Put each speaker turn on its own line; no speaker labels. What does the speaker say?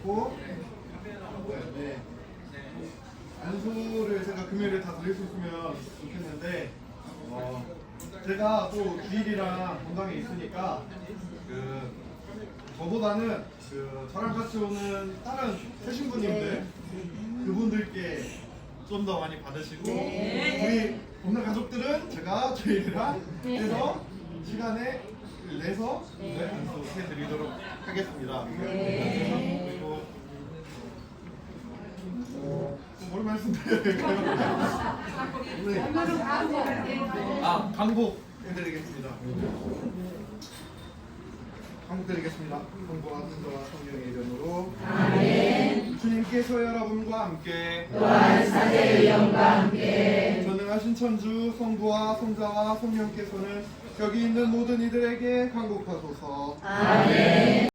드렸고, 네. 안수를 제가 금요일에 다 드릴 수 있으면 좋겠는데, 제가 또 주일이랑 건강에 있으니까 저보다는 저랑 같이 오는 다른 새신부님들 그분들께 좀 더 많이 받으시고, 우리 없는 가족들은 제가 주일이랑 해서 시간에 내서 안수 해드리도록 하겠습니다. 그리고 뭘 말씀드려요? 강복 해드리겠습니다. 강복 드리겠습니다. 성부와 성자와 성령의 이름으로 아멘. 주님께서 여러분과 함께
또한 사제의 영과 함께
전능하신 천주 성부와 성자와 성령께서는 여기 있는 모든 이들에게 강복하소서.
아멘.